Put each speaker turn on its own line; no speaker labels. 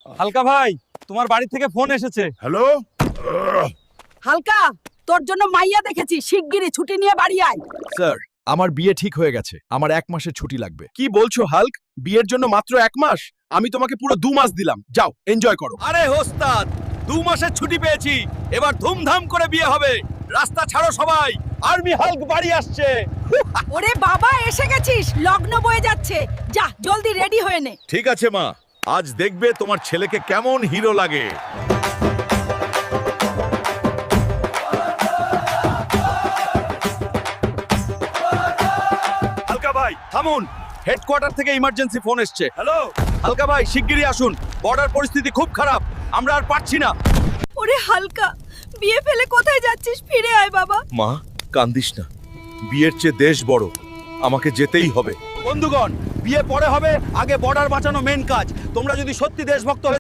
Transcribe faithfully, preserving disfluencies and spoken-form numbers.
হালকা ভাই, তোমার বাড়ি থেকে ফোন এসেছে।
হ্যালো।
হালকা, তোর জন্য মাইয়া দেখেছি, শিগগিরই ছুটি নিয়ে বাড়ি আয়।
স্যার, আমার বিয়ে ঠিক হয়ে গেছে, আমার এক মাসের ছুটি লাগবে। কি বলছো হাল্ক? বিয়ের জন্য মাত্র এক মাস? আমি তোমাকে পুরো দু মাস দিলাম, যাও এনজয় করো।
আরে ওস্তাদ, দু মাসের ছুটি পেয়েছি, এবার ধুমধাম করে বিয়ে হবে। রাস্তা ছাড়ো সবাই, আর্মি হাল্ক বাড়ি আসছে।
ওরে বাবা, এসে গেছিস, লগ্ন বয়ে যাচ্ছে, যা জলদি রেডি হয়ে নে।
ঠিক আছে মা, আজ দেখবে তোমার ছেলেকে কেমন হিরো লাগে।
হালকা ভাই থামুন, হেডকোয়ার্টার থেকে ইমার্জেন্সি ফোন এসছে। হ্যালো হালকা ভাই, শিগগিরই আসুন, বর্ডার পরিস্থিতি খুব খারাপ, আমরা আর পারছি না।
ওরে হালকা, বিয়ে ফেলে কোথায় যাচ্ছিস? ফিরে আয় বাবা।
মা, কান্দিস না, বিয়ের চেয়ে দেশ বড়, আমাকে যেতেই হবে।
বন্ধুগণ, বিয়ে পরে হবে, আগে বর্ডার বাঁচানো মেন কাজ। তোমরা যদি সত্যি দেশভক্ত হয়ে